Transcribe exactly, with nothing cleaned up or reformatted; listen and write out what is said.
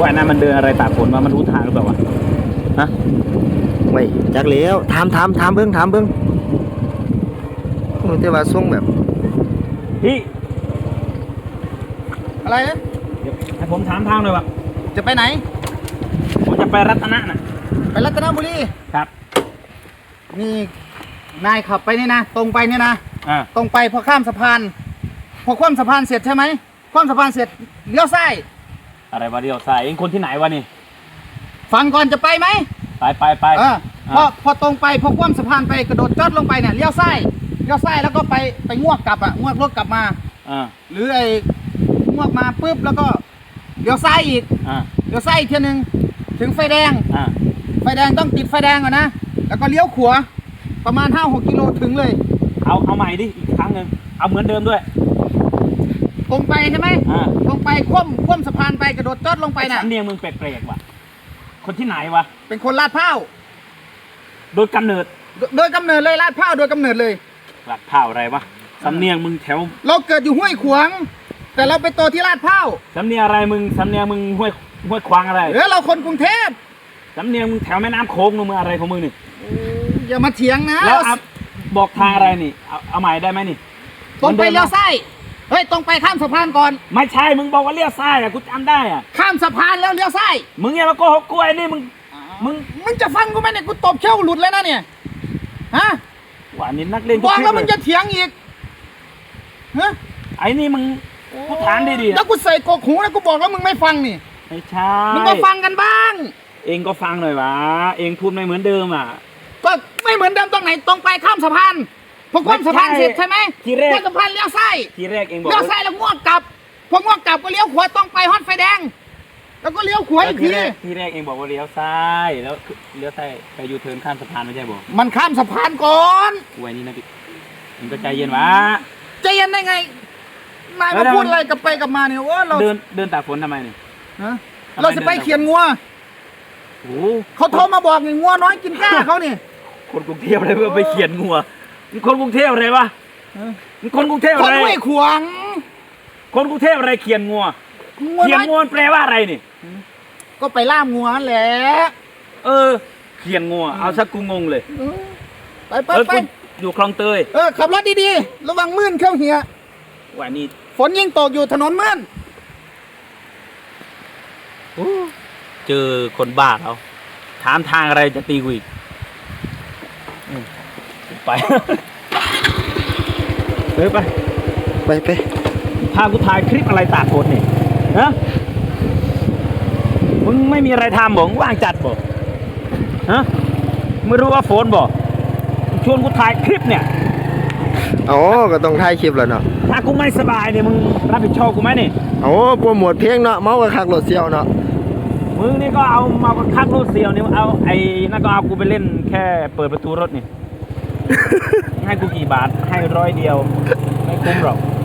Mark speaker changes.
Speaker 1: ว่านั้นมันเดินอะไรตากฝนว่ามันรู้ทางหรือเปล่าวะฮะ
Speaker 2: ไม่จักแล้วถามถามถามเบิ้งถามเบิ้งมันจะว่าส่งแบบ
Speaker 1: พี่
Speaker 3: อะไรนะ
Speaker 1: ให้ผมถามทางหน่อยวะ
Speaker 3: จะไปไหน
Speaker 1: ผมจะไปรัตนะน่ะ
Speaker 3: ไปรัตนบุรี
Speaker 1: ครับ
Speaker 3: นี่นายขับไปนี่นะตรงไปนี่นะ
Speaker 1: อ่า
Speaker 3: ตรงไปพอข้ามสะพานพอข้ามสะพานเสร็จใช่ไหมข้ามสะพานเสร็จเลี้ยวซ้าย
Speaker 1: อะไรวะเดียวซ้ายเองคนที่ไหนวะนี่
Speaker 3: ฟังก่อนจะไปไหม
Speaker 1: ไปไปไป
Speaker 3: เออพอพอตรงไปพอข้ามสะพานไปกระโดดจอดลงไปเนี่ยเลี้ยวซ้ายเลี้ยวซ้ายแล้วก็ไปไปงวกกลับอ่ะงวกรถกลับมา
Speaker 1: อ่า
Speaker 3: หรือไอ้งวกมาปุ๊บแล้วก็เลี้ยวซ้ายอีก
Speaker 1: อ่า
Speaker 3: เลี้ยวซ้ายอีกทีนึงถึงไฟแดง
Speaker 1: อ่า
Speaker 3: ไฟแดงต้องติดไฟแดงก่อนนะแล้วก็เลี้ยวขวาประมาณห้าหกกิโลถึงเลย
Speaker 1: เอาเอาใหม่ดิอีกครั้งหนึ่งเอาเหมือนเดิมด้วย
Speaker 3: ตรงไปใช่ไหม
Speaker 1: อ่า
Speaker 3: ตรงไปคว่ำคว่ำสะพานไปกระโดดจอดลงไปน่ะ
Speaker 1: สำเนียงมึงแปลกๆว่ะคนที่ไหนวะ
Speaker 3: เป็นคนลาดพร้าว
Speaker 1: โดยกำเนิด
Speaker 3: โดยกำเนิดเลยลาดพร้าวโดยกำเนิดเลย
Speaker 1: ลาดพร้าวอะไรวะสำเนียงมึงแถว
Speaker 3: เราเกิดอยู่ห้วยขวางแต่เราไปโตที่ลาดพร้าว
Speaker 1: สำเนียงอะไรมึงสำเนียงมึงห้วยห้วยควางอะไร
Speaker 3: เออเราคนกรุงเทพ
Speaker 1: สำเนียงมึงแถวแม่น้ำโค้งมึงอะไรของมึงนี่
Speaker 3: อย่ามาเถียงนะ
Speaker 1: แล้วบอกทางอะไรนี่เอาเอาใหม่ได้ไหมนี่
Speaker 3: ตรงไปเลี้ยวซ้ายเฮ้ยตรงไปข้ามสะพานก่อน
Speaker 1: ไม่ใช่มึงบอกว่าเลี้ยวซ้ายอ่ะกูจำได้อ่ะ
Speaker 3: ข้ามสะพานแล้วเลี้ยวซ้าย
Speaker 1: มึงอย่ามาโกหกกูไอ้นี่มึงมึง
Speaker 3: มึงจะฟังกูไหมเนี่ยกูตบเขี้ยวหลุดเลยนะเนี่ยฮะ
Speaker 1: ว่านี่นักเรียน
Speaker 3: บอกแล้วมึงจะเถียงอีกฮะ
Speaker 1: ไอ้นี่มึงกูถามดีๆ
Speaker 3: แล้วกูใส่กกหูแล้วกูบอกแล้วมึงไม่ฟังนี่
Speaker 1: ไม่ใช่
Speaker 3: มึงก็ฟังกันบ้าง
Speaker 1: เองก็ฟังหน่อยวะเองพูดไม่เหมือนเดิมอ่ะ
Speaker 3: ก็ไม่เหมือนเดิมตรงไหนตรงไปข้ามสะพานพอข้ามสะพานเสร็จใช่ไหม
Speaker 1: ทีแรก
Speaker 3: ข้ามสะพานเลี้ยวซ้าย
Speaker 1: ทีแรกเองบอก
Speaker 3: เลี้ยวซ้ายแล้วงวกกลับพองวกกลับก็เลี้ยวขวาต้องไปฮอตไฟแดงแล้วก็เลี้ยวขวาอีกที
Speaker 1: ทีแรกเองบอกว่าเลี้ยวซ้ายแล้วเลี้ยวซ้ายไปยูเทิร์นข้ามสะพานไม่ใช่บอก
Speaker 3: มันข้ามสะพานก่อน
Speaker 1: ไว้นี่นะพี่เองก็ใจเย็นวะ
Speaker 3: ใจเย็นได้ไงนายมาพูดอะไรกับไปกับมาเนี่ยว่าเรา
Speaker 1: เดินเดินตากฝนทำไมเนี่ย
Speaker 3: เราจะไปเขียนงัว
Speaker 1: โอ้
Speaker 3: เขาโทรมาบอกไงงัวน้อยกินก้าเขาเนี่ย
Speaker 1: คนกรุงเทพอะไรเพื่อไปเขียนงัวมึงคนกรุงเทพอะไรวะมึงคนกรุงเทพอะไร
Speaker 3: คนห้วยขวาง
Speaker 1: คนกรุงเทพอะไรเขียนงัวเขียนงัวแปลว่าอะไรนี่
Speaker 3: ก็ไปล่ามงัวแหละ
Speaker 1: เออเขียนงัวเอาสักกูงงเลย
Speaker 3: ไปไปไป
Speaker 1: อยู่คลองเตย
Speaker 3: เออขับรถดีๆระวังมื่นเข้าเหีย
Speaker 1: วันนี้
Speaker 3: ฝนยิ่งตกอยู่ถนนมื่น
Speaker 1: เจอคนบ้าเขาถามทางอะไรจะตีกูอีกไปเฮ้ยไป
Speaker 2: ไปไป
Speaker 1: พากูถ่ายคลิปอะไรตากฝนนี่ฮะมึงไม่มีอะไรทำบอกว่างจัดบอกฮะไม่รู้ว่าฝนบอกชวนกูถ่ายคลิปเนี่ย
Speaker 2: อ๋อก็ต้องถ่ายคลิปแล้วเนาะ
Speaker 1: ถ้ากูไม่สบายเนี่ยมึงรับผิดชอบกูไหมนี่
Speaker 2: อ๋อโปรโมทเพลงเนาะเมากับคักรถเซียวเนาะ
Speaker 1: มึงนี่ก็เอามาคักรถเซียวนี่เอาไอ้นั่นก็เอากูไปเล่นแค่เปิดประตูรถนี่ให้กูกี่บาทให้ร้อยเดียวไม่คุ้มหรอก